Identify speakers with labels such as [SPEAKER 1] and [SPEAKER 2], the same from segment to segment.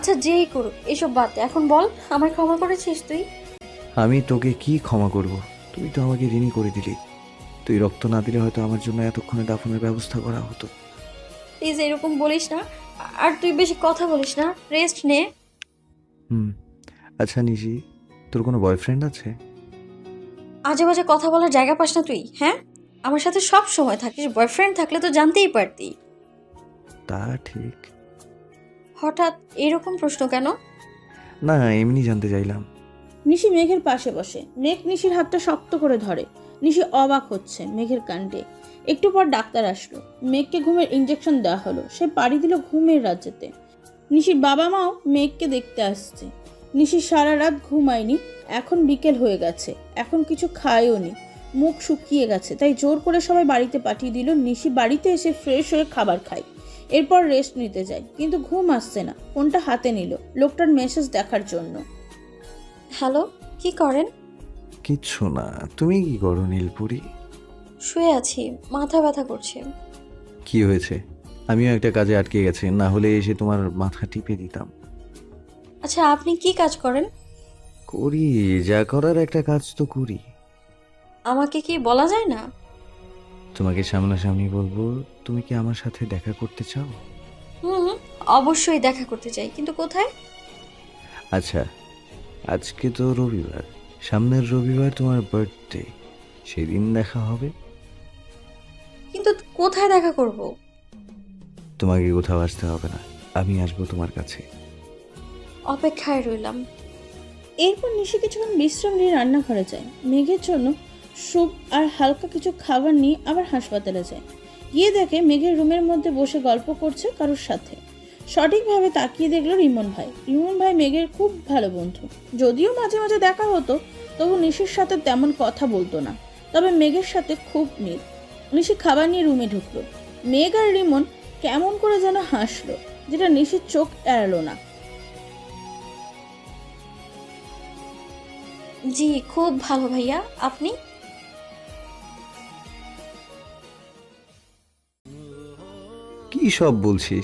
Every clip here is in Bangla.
[SPEAKER 1] আচ্ছা যেই করুক এসব বাদ দে, এখন বল আমায় ক্ষমা করেছিস তুই?
[SPEAKER 2] আমি তোকে কি ক্ষমা করব? তুই তো আমাকে ঋণী করে দিলি। তুই রক্ত না দিলে হয়তো আমার জন্য এতক্ষণে দাফনের ব্যবস্থা করা হতো।
[SPEAKER 1] প্লিজ এরকম বলিস না। আর তুই বেশি কথা বলিস না, রেস্ট নে।
[SPEAKER 2] হুম। আচ্ছা নিশি, তোর কোনো বয়ফ্রেন্ড আছে?
[SPEAKER 1] আজে বাজে কথা বলার জায়গা পাস না তুই, হ্যাঁ? আমার সাথে সব সময় থাকিস, বয়ফ্রেন্ড থাকলে তো জানতেই পারতি।
[SPEAKER 2] তা ঠিক।
[SPEAKER 1] হঠাৎ এরকম প্রশ্ন কেন?
[SPEAKER 2] না, এমনি জানতে চাইলাম।
[SPEAKER 3] নিশি মেঘের পাশে বসে। মেঘ নিশির হাতটা শক্ত করে ধরে। নিশি অবাক হচ্ছে মেঘের কাণ্ডে। একটু পর ডাক্তার আসলো। মেঘকে ঘুমের ইঞ্জেকশন দেওয়া হলো। সে পাড়ি দিল ঘুমের রাজ্যেতে। নিশির বাবা মাও মেঘকে দেখতে আসছে। নিশি সারা রাত ঘুমায়নি। এখন বিকেল হয়ে গেছে, এখন কিছু খায়ও নি। মুখ শুকিয়ে গেছে, তাই জোর করে সবাই বাড়িতে পাঠিয়ে দিল। নিশি বাড়িতে এসে ফ্রেশ হয়ে খাবার খায়, এরপর রেস্ট নিতে যায়। কিন্তু ঘুম আসছে না। ফোনটা হাতে নিল লোকটার মেসেজ দেখার জন্য।
[SPEAKER 1] হ্যালো, কি করেন?
[SPEAKER 2] কিচ্ছু না। তুমি কি করো নীলপুরি?
[SPEAKER 1] শুয়ে আছি, মাথা ব্যথা করছে।
[SPEAKER 2] কি হয়েছে? আমিও একটা কাজে আটকে গেছি, না হলে এসে তোমার মাথা টিপে দিতাম।
[SPEAKER 1] আচ্ছা আপনি কি কাজ করেন?
[SPEAKER 2] করি, যা করার একটা কাজ তো করি।
[SPEAKER 1] আমাকে কি বলা যায় না?
[SPEAKER 2] তোমাকে সামনাসামনি বলবো, তুমি কি আমার সাথে দেখা করতে চাও?
[SPEAKER 1] হুম, অবশ্যই দেখা করতে চাই, কিন্তু কোথায়?
[SPEAKER 2] আচ্ছা, আজকে তো রবিবার, সামনের রবিবার তোমার বার্থডে, সেদিন দেখা হবে।
[SPEAKER 1] কিন্তু কোথায় দেখা করব?
[SPEAKER 2] তোমাকে কোথাও আসতে হবে না, আমি আসবো তোমার কাছে।
[SPEAKER 1] অপেক্ষায় রইলাম।
[SPEAKER 3] এরপর নিশি কিছুক্ষণ বিশ্রাম নিয়ে রান্নাঘরে যায়। মেঘের জন্য স্যুপ আর হালকা কিছু খাবার নিয়ে আবার হাসপাতালে যায়। গিয়ে দেখে মেঘের রুমের মধ্যে বসে গল্প করছে কারোর সাথে। সঠিকভাবে তাকিয়ে দেখলো রিমন ভাই। রিমন ভাই মেঘের খুব ভালো বন্ধু। যদিও মাঝে মাঝে দেখা হতো, তবু নিশির সাথে তেমন কথা বলতো না। তবে মেঘের সাথে খুব মিল। নিশি খাবার নিয়ে রুমে ঢুকলো। মেঘ আর রিমন কেমন করে যেন হাসলো, যেটা নিশির চোখ এড়ালো না।
[SPEAKER 1] জি খুব ভালো ভাইয়া, আপনি?
[SPEAKER 2] কি সব বলছিস?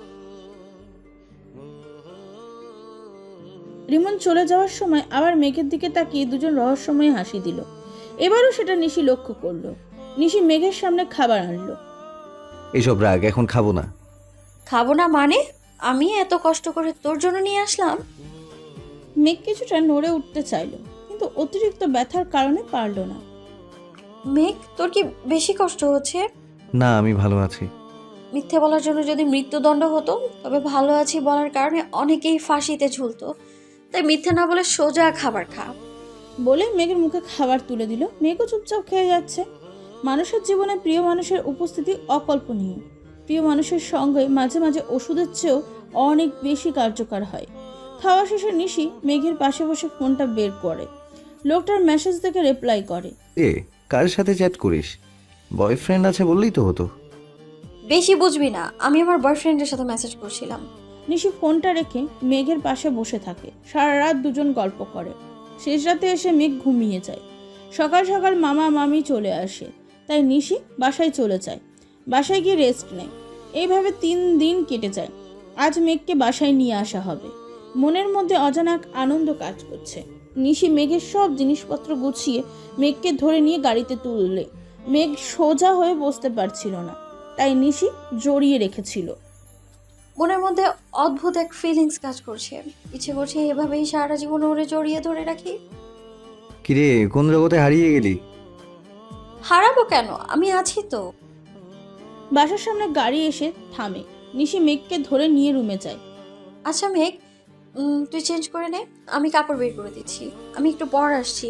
[SPEAKER 3] রিমন চলে যাওয়ার সময় আবার মেঘের দিকে তাকিয়ে দুজন রহস্যময় হাসি দিল। এবারও সেটা নিশি লক্ষ্য করলো। নিশি মেঘের সামনে খাবার আনলো।
[SPEAKER 2] এসব রাগ, এখন খাবো না।
[SPEAKER 1] খাবো না মানে? আমি এত কষ্ট করে তোর জন্য নিয়ে আসলাম।
[SPEAKER 3] মেঘ কিছুটা নড়ে উঠতে চাইলো, কিন্তু অতিরিক্ত ব্যথার কারণে পারল না।
[SPEAKER 1] মেঘ, তোর কি বেশি কষ্ট হচ্ছে?
[SPEAKER 2] না, আমি ভালো আছি।
[SPEAKER 1] মিথ্যে বলার জন্য যদি মৃত্যুদণ্ড হতো, তবে ভালো আছি বলার কারণে অনেকেই ফাঁসিতে ঝুলতো। তাই মিথ্যে না বলে সোজা খাবার খা।
[SPEAKER 3] বলে মেঘের মুখে খাবার তুলে দিল। মেঘও চুপচাপ খেয়ে যাচ্ছে। মানুষের জীবনে প্রিয় মানুষের উপস্থিতি অকল্পনীয়। প্রিয় মানুষের সঙ্গে মাঝে মাঝে ওষুধের চেয়েও অনেক বেশি কার্যকর হয়। খাওয়া শেষে নিশি মেঘের পাশে বসে ফোনটা বের করে। লোকটার মেসেজ দেখে রিপ্লাই করে।
[SPEAKER 2] এ, কার সাথে চ্যাট করিস? বয়ফ্রেন্ড আছে বললেই তো হতো।
[SPEAKER 1] বেশি বুঝবি না, আমি আমার বয়ফ্রেন্ডের সাথে মেসেজ করছিলাম।
[SPEAKER 3] নিশি ফোনটা রেখে মেঘের পাশে বসে থাকে। সারা রাত দুজন গল্প করে। শেষ রাতে এসে মেঘ ঘুমিয়ে যায়। সকাল সকাল মামা মামি চলে আসে, তাই নিশি বাসায় চলে যায়। বাসায় গিয়ে রেস্ট নেয়। এইভাবে 3 দিন কেটে যায়। আজ মেঘকে বাসায় নিয়ে আসা হবে। মনের মধ্যে অজানা এক আনন্দ কাজ করছে। নিশি মেঘের সব জিনিসপত্র গুছিয়ে মেঘকে ধরে নিয়ে গাড়িতে তুললে মেঘ সোজা হয়ে বসতে পারছিল না, তাই নিশি জড়িয়ে রেখেছিল।
[SPEAKER 1] মনের মধ্যে অদ্ভুত এক ফিলিংস কাজ করছে। ইচ্ছে করছে এভাবেই সারা জীবন ওরে জড়িয়ে ধরে রাখি।
[SPEAKER 2] কিরে, কোন জগতে হারিয়ে গেলি?
[SPEAKER 1] হারাবো কেন, আমি আছি তো।
[SPEAKER 3] বাসার সামনে গাড়ি এসে থামে। নিশি মেঘকে ধরে নিয়ে রুমে যায়।
[SPEAKER 1] আচ্ছা মেঘ, তুই চেঞ্জ করে নে, আমি কাপড় বের করে দিচ্ছি। আমি একটু পর আসছি।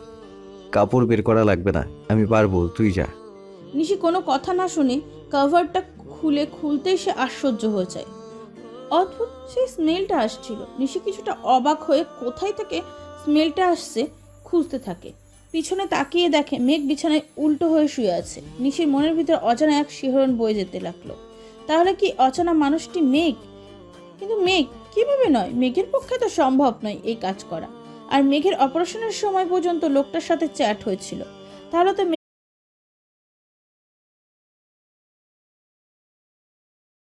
[SPEAKER 2] কাপড় বের করা লাগবে না, আমি পারবো, তুই যা।
[SPEAKER 3] নিশি কোনো কথা না শুনে কভারটা খুলতেই সে আশ্চর্য হয়ে যায়। অদ্ভুত সেই স্মেলটা আসছিল। নিশি কিছুটা অবাক হয়ে কোথায় থেকে স্মেলটা আসছে খুঁজতে থাকে। পিছনে তাকিয়ে দেখে মেঘ বিছানায় উল্টো হয়ে শুয়ে আছে। নিশির মনের ভিতর অজানা এক শিহরণ বয়ে যেতে লাগলো। তাহলে কি অচেনা মানুষটি মেঘ? কিন্তু মেঘ কিভাবে নয়? মেঘের পক্ষে তো সম্ভব নয় এই কাজ করা। আর মেঘের অপারেশনের সময় পর্যন্ত লোকটার সাথে চ্যাট হয়েছিল। তাহলে তো